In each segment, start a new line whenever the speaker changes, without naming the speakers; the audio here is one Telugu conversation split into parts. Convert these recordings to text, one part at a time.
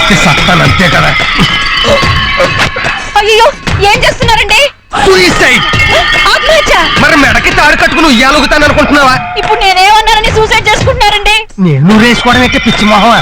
అయితే సత్తాను అంతే కదా.
అయ్యో ఏం చేస్తున్నారండి?
సూసైడ్.
ఆత్మహత్య?
మరి మెడకి తాడు కట్టుకుని ఉయ్యాలుగుతాను అనుకుంటున్నావా?
ఇప్పుడు నేనేమన్నానని సూసైడ్ చేసుకుంటున్నారండి?
నేను వేసుకోవడం అయితే పిచ్చి మొహమా?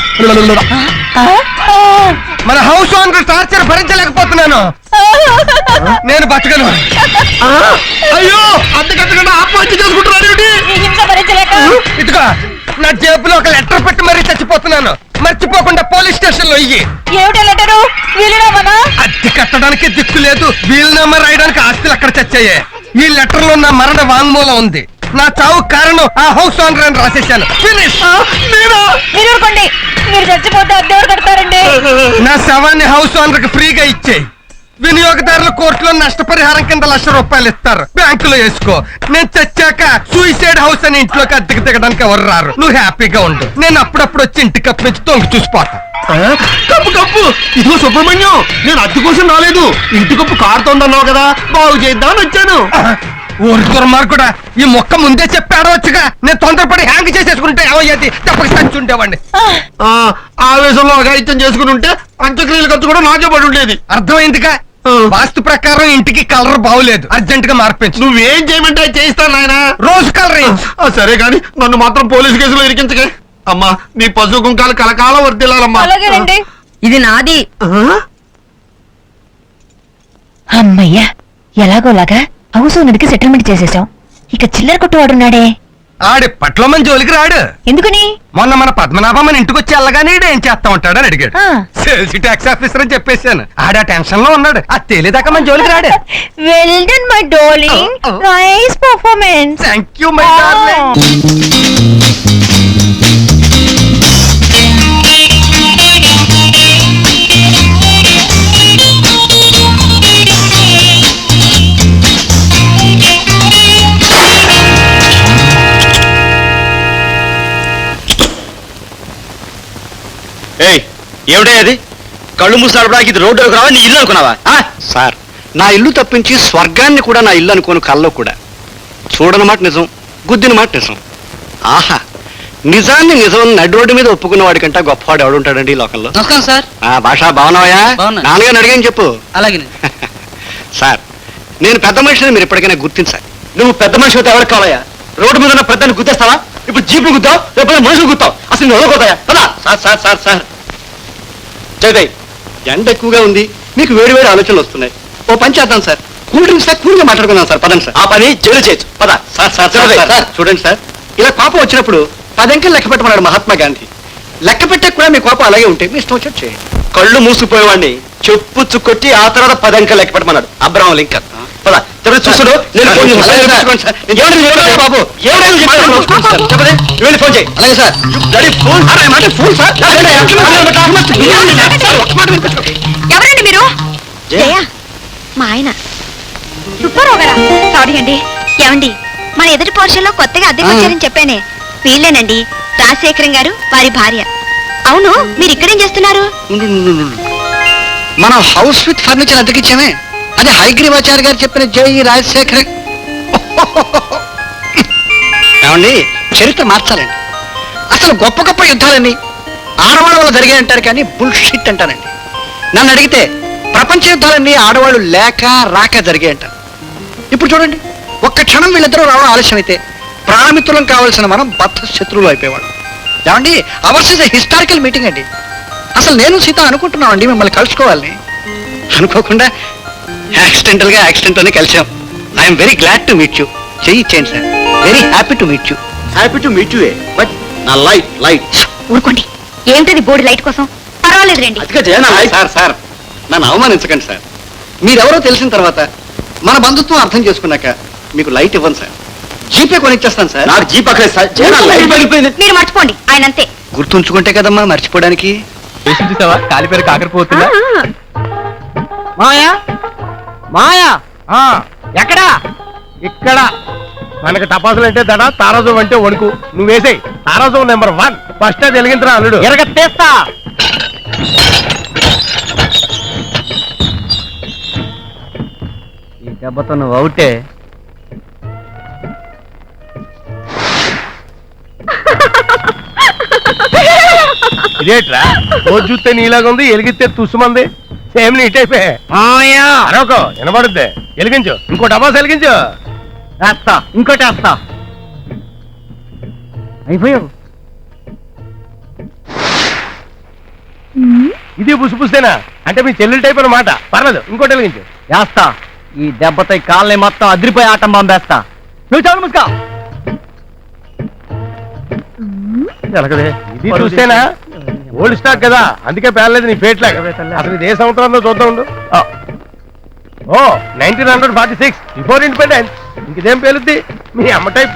మన హౌస్ ఓనర్ టార్చర్ భరించలేకపోతున్నాను. నేను బతకను. అయ్యో అంతకంతకుండా ఆత్మహత్య చేసుకుంటున్నాను.
ఈ హింస భరించలేక
ఇదిగో నా జేబులో ఒక లెటర్ పెట్టి మరీ చచ్చిపోతున్నాను. మర్చిపోకుండా పోలీస్ స్టేషన్ లో ఇయ్యి.
ఏమిటా లెటరు? వీలునామానా?
అద్దె కట్టడానికి దిక్కు లేదు, వీలునామా రాయడానికి ఆస్తులు అక్కడ చచ్చాయి. ఈ లెటర్ లో నా మరణ వాంగ్మూలం ఉంది. నా చావు కారణం ఆ హౌస్ ఓనర్ అని రాసేశాను. ఫినిష్.
మీరు ఊరుకోండి. మీరు చచ్చిపోతే అద్దెవరు కడతారండి?
నా శవాన్ని హౌస్ ఓనర్ కి ఫ్రీగా ఇచ్చేయి. వినియోగదారుల కోర్టులో నష్టపరిహారం కింద ₹1,00,000 ఇస్తారు. బ్యాంకులో వేసుకో. నేను చచ్చాక సూసైడ్ హౌస్ అని ఇంట్లోకి అద్దెకి దిగడానికి ఎవరు రారు. నువ్వు హ్యాపీగా ఉండు. నేను అప్పుడప్పుడు వచ్చి ఇంటి కప్పు నుంచి తొంగి చూసిపోతా.
Cup cup. ఇదిగో సుబ్రహ్మణ్యం, నేను అద్దె కోసం రాలేదు. ఇంటి కప్పు కారుతోందన్నావు కదా, బాగు చేద్దామని వచ్చాను.
ఊరి దుర్మార్గుడా, ఈ మొక్క ముందే చెప్పి ఆడవచ్చుగా. నేను తొందరపడి హ్యాంగ్ చేసేసుకుంటే ఏమయ్యేది? తప్పక చచ్చి ఉండేవాడిని.
ఆవేశంలో అఘాయిత్యం చేసుకుని ఉంటే అంత్యక్రియల ఖర్చు కూడా నాకే పడి ఉండేది.
అర్థమైందిగా. వాస్తు ప్రకారం ఇంటికి కలర్ బాగులేదు, అర్జెంట్ గా మార్పించు.
నువ్వేం చేయమంటే అది చేయిస్తాను నాయన.
రోజు కలర్.
సరే కాని నన్ను మాత్రం పోలీసు కేసులో ఇరికించకే. అమ్మా నీ పశు కుంకాలు కలకాలం వర్దిల్లాలమ్మా.
అలాగేనండి.
ఇది నాది.
అమ్మయ్యా, ఎలాగోలాగా హౌస్ ఓనర్కి సెటిల్మెంట్ చేసేసాం. ఇక చిల్లర కొట్టువాడున్నాడే,
ఆడి పట్ల మన జోలికి రాడు.
ఎందుకని?
మొన్న మన పద్మనాభం మన ఇంటికి వచ్చి వెళ్ళగానే ఏం చేస్తా ఉంటాడని అడిగాడు. సేల్స్ ట్యాక్స్ ఆఫీసర్ అని చెప్పేశాను. ఆడ టెన్షన్ లో ఉన్నాడు. అది తేలేదాకా మన జోలికి రాడు.
Well done my darling. Nice performance.
Thank you my darling.
ఏమిటా అది? కళ్ళు మూసాడడానికి ఇది రోడ్డు రావా, నీ ఇల్లు అనుకున్నావా?
సార్, నా ఇల్లు తప్పించి స్వర్గాన్ని కూడా నా ఇల్లు అనుకోను. కల్లో కూడా చూడని మాట నిజం, గుద్దిన మాట నిజం. ఆహా, నిజాన్ని నిజం నడి రోడ్డు మీద ఒప్పుకున్న వాడికంటే గొప్పవాడు ఎవడుంటాడండి ఈ లోకంలో.
నమస్కారం సార్.
భాష బాగున్నావా?
బాగున్నా.
నాన్నగారిని అడిగాని చెప్పు.
అలాగే
సార్, నేను పెద్ద మనిషిని మీరు ఎప్పటికైనా గుర్తించాలి.
నువ్వు పెద్ద మనిషి అయితే ఎవరికి కావాలయ్యా? రోడ్డు మీద ఉన్న పెద్దని గుద్దేస్తావా? ఇప్పుడు జీపులు గుద్దావు, లేకపోతే మనుషులు గుద్దావు. అసలు నువ్వు ఎవరికోతాయా?
సార్ సార్ సార్ సార్ జయదయ్, ఎండ ఎక్కువగా ఉంది, మీకు వేడి వేడి ఆలోచనలు వస్తున్నాయి. ఓ పని చేద్దాం సార్, కూల్ డ్రింక్స్ కూల్గా మాట్లాడుకుందాం సార్. పదండి సార్.
ఆ పని జైలు చేయొచ్చు. పద.
సార్ సార్ సార్ చూడండి సార్, ఇలా కోపం వచ్చినప్పుడు 10 అంకెలు లెక్క పెట్టమన్నాడు మహాత్మా గాంధీ. లెక్క పెట్టే కూడా మీ కోపం అలాగే ఉంటే మీ ఇష్టం వచ్చి చేయండి.
కళ్ళు మూసుకుపోయేవాడిని చెప్పుచ్చు కొట్టి ఆ తర్వాత 10 అంకెలు లెక్క పెట్టమన్నాడు అబ్రహం లింకన్. పద. చూస్తుడు నేను ఫోన్ చేస్తాను. బాబు చెప్పండి, ఫోన్ చేయి. అలాగే సార్. Phone sir.
ఎవరండి మీరు? జయ, మా ఆయన సుబ్బారావు గారా? సారీ అండి.
ఏమండి, మన ఎదుటి పోర్షన్లో కొత్తగా అద్దెకి వచ్చారని చెప్పానే, వీళ్ళేనండి రాజశేఖరం గారు, వారి భార్య. అవును, మీరు ఇక్కడేం చేస్తున్నారు?
మనం హౌస్ విత్ ఫర్నిచర్ అద్దెకిచ్చామే, అది హైగ్రీవాచార్య గారు చెప్పిన జై రాజశేఖర. ఏమండి, చరిత్ర మార్చాలండి. అసలు గొప్ప గొప్ప యుద్ధాలన్నీ ఆడవాళ్ళ వల్ల జరిగాయంటారు కానీ బుల్షిట్ అంటారండి. నన్ను అడిగితే ప్రపంచ యుద్ధాలన్నీ ఆడవాళ్ళు లేక రాక జరిగాయంటారు. ఇప్పుడు చూడండి, ఒక్క క్షణం వీళ్ళిద్దరూ రావడం ఆలస్యం అయితే ప్రాణమిత్రులం కావాల్సిన మనం బద్ధ శత్రువులు అయిపోయేవాడు. ఏమండి, ours is a historical meeting అండి. అసలు నేను సీత అనుకుంటున్నామండి మిమ్మల్ని కలుసుకోవాలని. అనుకోకుండా యాక్సిడెంట్లోనే కలిసాం. I'm very glad to meet you. చేయించేయండి sir. Very happy to meet you.
Happy to meet you. But నా లైట్
ఊరుకోండి, ఏమిటది బోర్డు లైట్ కోసం? పర్వాలేదు రండి.
అదిగా జయ, నా లైట్.
సార్ నన్ను అవమానించకండి సార్. మీరెవరో తెలిసిన తర్వాత మన బంధుత్వం అర్థం చేసుకున్నాక మీకు లైట్ ఇవ్వను సార్. జీపే కొనిచ్చేస్తాను సార్.
నాకు జీప్ అక్కడ సార్. జయ, నా లైట్ పగిలిపోయింది.
మీరు మర్చిపోండి, ఆయన అంతే.
గుర్తుంచుకుంటే కదమ్మా మర్చిపోవడానికి.
చూసావా కాలిపేరు కాకరిపోతుందా?
మాయా మాయా,
ఎక్కడా? ఇక్కడ. మనకి టపాసులు అంటే దడ, తారాజం అంటే వణుకు. నువ్వేసాయి తారాజం నెంబర్ 1. ఫస్ట్ అది వెలిగించరా అల్లుడు.
ఎరగట్టేస్తా. ఈ దెబ్బతో నువ్వు అవుటే.
ఇదేట్రా రోజు చూస్తే నీలాగా ఉంది ఎలిగిస్తే తుసుమంది సేమ్ నీట్ అయిపోయా
మామయ్య
అరొక వినబడుద్ది వెలిగించు ఇంకో డబాస్ వెలిగించు
వేస్తా ఇంకోటి వేస్తా అయిపోయావు.
ఇది పుసిపుస్తేనా అంటే మీ చెల్లెలు టైప్ అన్నమాట పర్లేదు ఇంకోటి వెలిగించు
వేస్తా. ఈ దెబ్బతో ఈ కాళ్ళని మొత్తం అదిరిపోయి ఆటం పంపేస్తా. నువ్వు చాలు ముసుకా.
ఎలగదే ఇది చూస్తేనా ఓల్డ్ స్టాక్ కదా అందుకే పేర్లేదు నీ ఫేట్ లాగా అసలు ఇది ఏ సంవత్సరంలో చూద్దాం ఉండు ఓ 1946 బిఫోర్ ఇండిపెండెన్స్ ఇంకేం పేలుద్ది మీ అమ్మ టైపు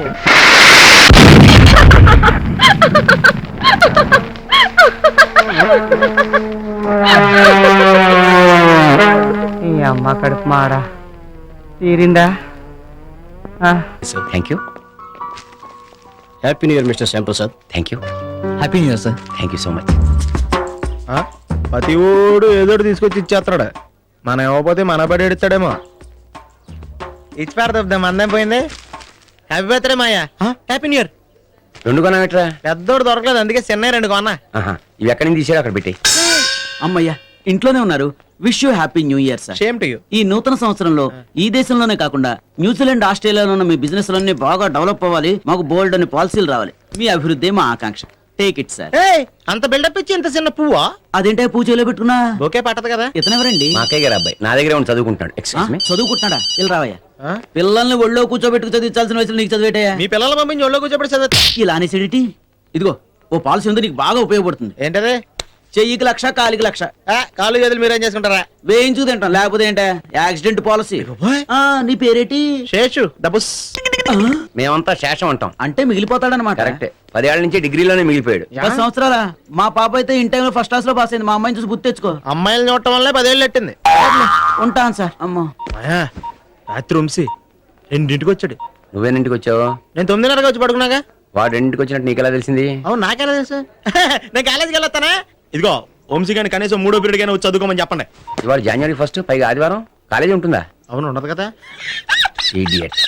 ఈ అమ్మ కడుపు మాడా తీరిందా?
Thank you. Happy new year mister Shyamprasad. Thank you.
Happy new year sir.
Thank you so much.
ప్రతి ఓడు ఏదోటి తీసుకొచ్చి ఇచ్చేస్తాడు మనం ఇవ్వకపోతే మన బడి ఎడతాడేమో ఇచ్చి పెడతాం మందేం పోయింది happy birthday Maya happy new year
రెండు కొనట్రా?
పెద్దోడు దొరకలేదు అందుకే చెన్నై రెండు కొన్నా
ఇవి ఎక్కడి నుంచి తీసాడు అక్కడ పెట్టి.
అమ్మయ్యా ఇంట్లోనే ఉన్నారు. Wish you happy new year sir.
Same to you.
ఈ నూతన సంవత్సరంలో ఈ దేశంలోనే కాకుండా న్యూజిలాండ్ ఆస్ట్రేలియాలో ఉన్న మీ బిజినెస్ లన్నీ బాగా డెవలప్ అవ్వాలి. మాకు బోల్డ్ అని పాలసీలు రావాలి. మీ అభివృద్ధి మా ఆకాంక్ష. Take it sir.
అంత బిల్డప్ ఇచ్చి ఇంత చిన్న పువ్వా
అదేంటే పూజలో పెట్టుకున్నా
బొకే పట్టదు కదా
ఇతనెవరండి?
మా అక్కయ్య గారు అబ్బాయి నా దగ్గరే ఉండి చదువుకుంటున్నాడు.
ఆ,
ఎక్స్క్యూజ్ మీ.
చదువుకుంటున్నాడా? ఇలా రావయ్యా. పిల్లల్ని ఒళ్ళో కూర్చోబెట్టుకు చదివించాల్సిన వయసులో నీకు చదివేటయ్యా.
మీ పిల్లల పంపించి ఒళ్ళో కూర్చోబెట్టి చదువుతా
ఇలా అనేసిడిటీ. ఇదిగో ఓ పాలసీ ఉంది నీకు బాగా ఉపయోగపడుతుంది.
ఏంటది
చెయ్యికి 1,00,000 కాలికి 1,00,000
కాలు చేతులు మీరేం చేసుకుంటారా
వేయించు తింటాం. లేకపోతే ఏంటే యాక్సిడెంట్ పాలసీ. నీ పేరేటి?
శేషు డబుస్
మేమంతా శేషం అంటాం.
అంటే మిగిలిపోతాడనమాట.
కరెక్టే. 10 ఏళ్ల నుంచి డిగ్రీలోనే మిగిలిపోయాడు.
10 సంవత్సరాలా? మా పాప అయితే ఇన్ టైంలో ఫస్ట్ క్లాస్ లో పాస్ అయింది. మా అమ్మాయిని చూసి గుర్తు తెచ్చుకో.
అమ్మాయిలు చూడటం వల్లే 10 ఏళ్ళు ఎట్టింది
ఉంటాను సార్. అమ్మో
రాత్రి వంశీ 2ంటికి వచ్చాడు
నువ్వేనింటికి వచ్చావు?
నేను 9:30 వచ్చి పడుకున్నాగా
వాడు 2ంటికి వచ్చినట్టు నీకెలా తెలిసింది?
అవును నాకెలా తెలుసు నేను కాలేజీకి వెళ్ళొస్తానా ఇదిగో వంశీ గారిని కనీసం 3వ పీరియడ్ గానీ వచ్చి చదువుకోమని చెప్పండి
ఇవాళ జనవరి 1 పైగా ఆదివారం కాలేజీ ఉంటుందా?
అవును ఉండదు కదా
idiot.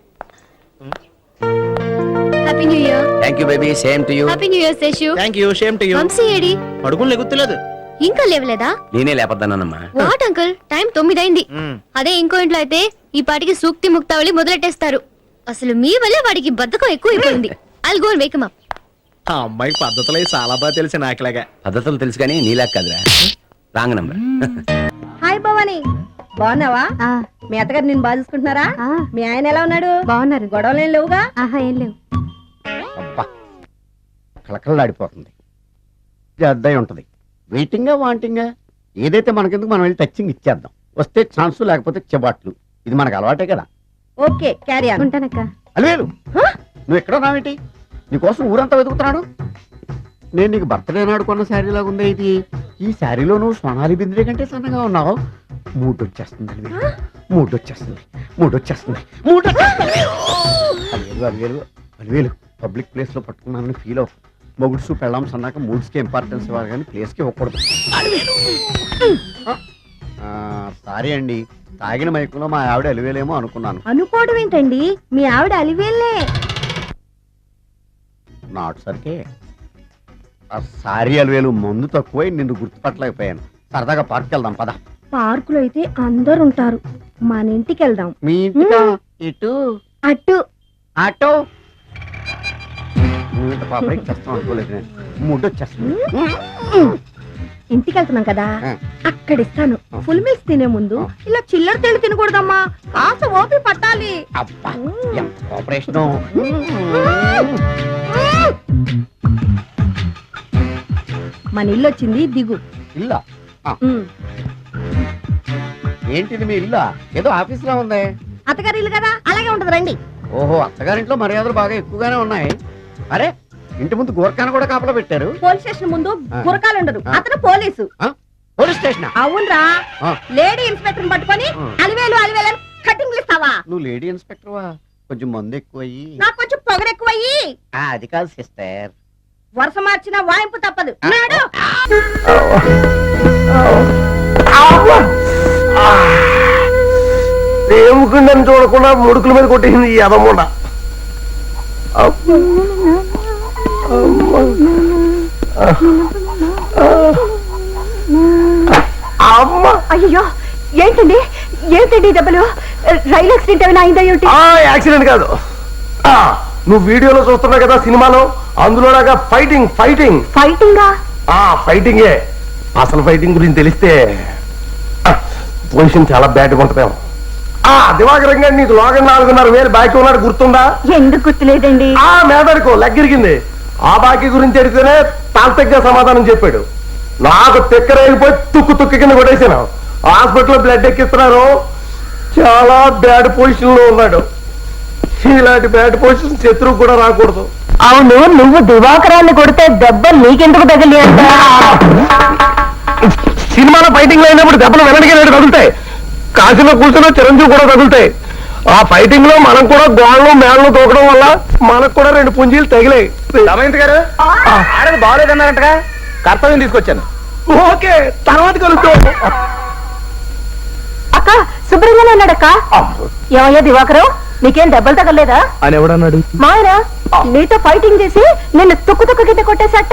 Happy new year.
Thank you baby. Same to you.
Happy new year Seshu.
Thank you same to you
Vamsi ఏడి?
పడుకుని లెగుత్తలేదు
ఇంకా లేవలేదా?
నేనే లేపద్దన్నానమ్మా.
వాట్ అంకుల్, టైం 9 అయింది. అదే ఇంకో ఇంట్లో అయితే ఈ పాటికి సూక్తి ముక్తావళి మొదలెట్టేస్తారు. అసలు మీ వల్ల వాడికి బద్ధకం ఎక్కువ అయిపోయింది. I'll go and wake him up.
ఆ అమ్మాయికి పద్ధతులు చాలా బాగా తెలిసి నాకులాగా
పద్ధతులు తెలుసు కానీ నీలా కాదురా. Wrong number.
హాయ్ భవాని, బాగున్నావా? మీ అత్తగారు నిన్ను బాగా చూసుకుంటున్నారా? మీ ఆయన ఎలా ఉన్నాడు?
బాగున్నారు.
గొడవలు ఏం లేవుగా?
ఆహా, ఏం లేవు.
అబ్బా కలకలలాడిపోతుంది. అద్దయి ఉంటది. వెయిటింగా వాంటింగా ఏదైతే మనకెందుకు మనం వెళ్ళి టచ్చింగ్ ఇచ్చేద్దాం. వస్తే ఛాన్స్ లేకపోతే చెబాట్లు. ఇది మనకు అలవాటే కదా.
Okay carry on.
ఉంటానక్క.
అలివేలు నువ్వు ఎక్కడ ఉన్నావేంటి? నీకోసం ఊరంతా వెతుకుతున్నాడు. నేను నీకు బర్త్డే నాడు కొన్న శారీ లాగా ఉందే ఇది. ఈ శారీలో నువ్వు సోనాలి బింద్రే కంటే సన్నగా ఉన్నావు. మూడు వచ్చేస్తుంది అలివేలు, మూడు వచ్చేస్తుంది, మూడు వచ్చేస్తుంది, మూడు అలివేలు అలివేలు అలివేలు పబ్లిక్ ప్లేస్ లో పట్టుకున్నానని ఫీల్ అవ్వ. మొగుడ్సు పెళ్ళాం సన్నాక మూడ్స్కి ఇంపార్టెన్స్ ఇవ్వాలి కానీ ప్లేస్కి ఇవ్వకూడదు. సారీ అండి, తాగిన మైకులో మా ఆవిడ అలివేలేమో అనుకున్నాను.
అనుకోవడం ఏంటండి, మీ ఆవిడ అలివేలే.
నాట్ సరికే. సారీ అలివేలు, మందు తక్కువై నిన్ను గుర్తుపట్టలేకపోయాను. సరదాగా పార్క్ వెళ్దాం పద.
పార్కులో అయితే అందరు ఉంటారు, మన ఇంటికి వెళ్దాం.
మీ ఇంటికా? ఇటు
అటు
ఆటో. నువ్వు ఇంత పాపకి చేస్తాం అనుకోలేదు నేను. మూడు వచ్చేస్తుంది.
ఇంటికి వెళ్తున్నాం కదా,
ఆ.
అక్కడ ఇస్తాను. ఫుల్ మీల్స్ తినే ముందు ఇలా చిల్లర తెళ్ళు తినకూడదమ్మా, కాస్త ఓపి పట్టాలి.
అబ్బా ఎంత కోఆపరేషన్.
మన ఇల్లు వచ్చింది, దిగు.
ఇల్లా? ఏంటిది మీ ఇల్లా? ఏదో ఆఫీస్ లా ఉంది.
అత్తగారి ఇల్లు కదా, అలాగే ఉంటది రండి.
ఓహో, అత్తగారింట్లో మర్యాదలు బాగా ఎక్కువగానే ఉన్నాయి. అరే ఇంటి ముందు గోర్ఖాన కూడా కాపలా పెట్టారు.
పోలీస్ స్టేషన్ ముందు
ఆ.
గురకాలు ఉండరు,
ఆ.
అతను పోలీసు.
Police station?
అవునరా,
ఆ.
లేడీ ఇన్స్పెక్టర్ పట్టుకొని
ఆ.
అలివేలు అలివేలు కటింగ్ ఇస్తావా?
నువ్వు లేడీ ఇన్స్పెక్టర్వా? కొంచెం మందు ఎక్కువయ్యి.
నాకు కొంచెం పొగరు ఎక్కువయ్యి.
అది కాదు సిస్టర్.
వరుస మార్చిన వాయింపు తప్పదు. నాడు
ఏముకుందని చూడకుండా ముడుకుల మీద కొట్టేసింది ఈ అదమ్ముండ. అమ్మ
అయ్యో ఏంటండి ఏంటండి దెబ్బలు రైలు యాక్సిడెంట్ ఏమైనా అయిందా ఏమిటి
యాక్సిడెంట్ కాదు నువ్వు వీడియోలో చూస్తున్నావు కదా సినిమాలో అందులోలాగా ఫైటింగ్ ఫైటింగ్
ఫైటింగా
ఫైటింగే అసలు ఫైటింగ్ గురించి తెలిస్తే పొజిషన్ చాలా బ్యాడ్గా ఉంటుందేమో దివాకరం గారు నీకు లోగన్ 4,500 బాకీ ఉన్నాడు గుర్తుందా
ఎందుకు గుర్తులేదండి
మేదడుకో లెగ్గిరిగింది ఆ బాకీ గురించి అడిగితేనే తాంతగ్గా సమాధానం చెప్పాడు నాకు తెక్కరైపోయి తుక్కు కింద కొట్టేసాను హాస్పిటల్లో బ్లడ్ ఎక్కిస్తున్నారు చాలా బ్యాడ్ పొజిషన్ లో ఉన్నాడు ఇలాంటి బ్యాడ్ పొజిషన్ శత్రువు కూడా రాకూడదు
అవును నువ్వు దివాకరాన్ని కొడితే దెబ్బ నీకెందుకు తగిలి
సినిమాలో ఫైటింగ్ లో అయినప్పుడు దెబ్బలు వెనక్కి తగులుతాయి కాశీలో కూర్చున్న చిరంజీవి కూడా తగులుతాయి ఆ ఫైటింగ్ లో మనం కూడా గోళ్ళు మేళ్ళు తోకడం వల్ల మనకు కూడా 2 పుంజీలు తగిలాయి దమయంతి గారు ఆడది బాగాలేదన్నారంటగా కర్తవ్యం తీసుకొచ్చాను ఓకే తర్వాత కలుస్తాం
అక్క శుభ్రంగానే ఉన్నాడక్క ఏమయ్యా దివాకరం నీకేం దెబ్బలు తగలేదా
అని ఎవడన్నాడు
మాయరా నీతో ఫైటింగ్ చేసి నిన్ను తుక్కు కింద కొట్టేశాట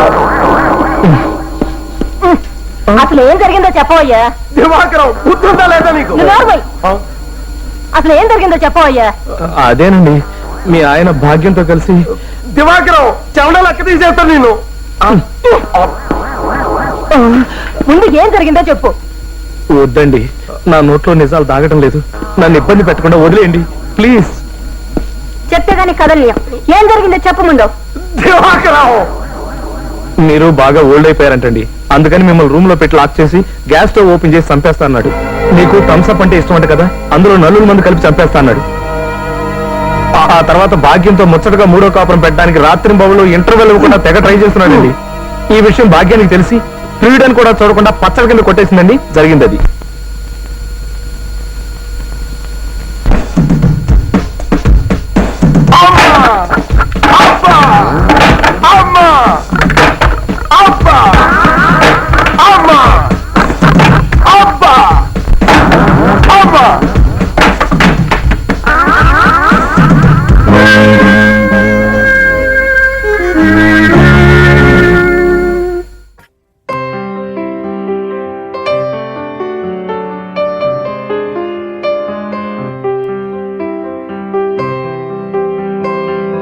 అసలు ఏం జరిగిందో చెప్పవయ్యా
దివాకరం గుర్తుందా లేదా నీకు
అసలు ఏం జరిగిందో చెప్పవయ్యా
అదేనండి మీ ఆయన భాగ్యంతో కలిసి దివాకరం చెమటలు అక్క తీసేస్తాను నేను
ముందు ఏం జరిగిందో చెప్పు
వద్దండి నా నోట్లో నిజాలు దాగటం లేదు నన్ను ఇబ్బంది పెట్టకుండా వదిలేయండి ప్లీజ్
చెప్తే గానీ కదలియా ఏం జరిగిందో చెప్పు ముందు
దివాకరం మీరు బాగా ఓల్డ్ అయిపోయారంటండి అందుకని మిమ్మల్ని రూమ్ లో పెట్టి లాక్ చేసి గ్యాస్ స్టవ్ ఓపెన్ చేసి చంపేస్తా అన్నాడు నీకు థమ్స్అప్ అంటే ఇష్టం అంట కదా అందులో 4 మంది కలిపి చంపేస్తా అన్నాడు ఆ తర్వాత భాగ్యంతో ముచ్చటగా 3వ కాపురం పెట్టడానికి రాత్రి బాబులో ఇంటర్వెల్ ఇవ్వకుండా తెగ ట్రై చేస్తున్నాడండి ఈ విషయం భాగ్యానికి తెలిసి ఫ్రీడన్ కూడా చూడకుండా పచ్చడి కింద కొట్టేసిందండి జరిగింది అది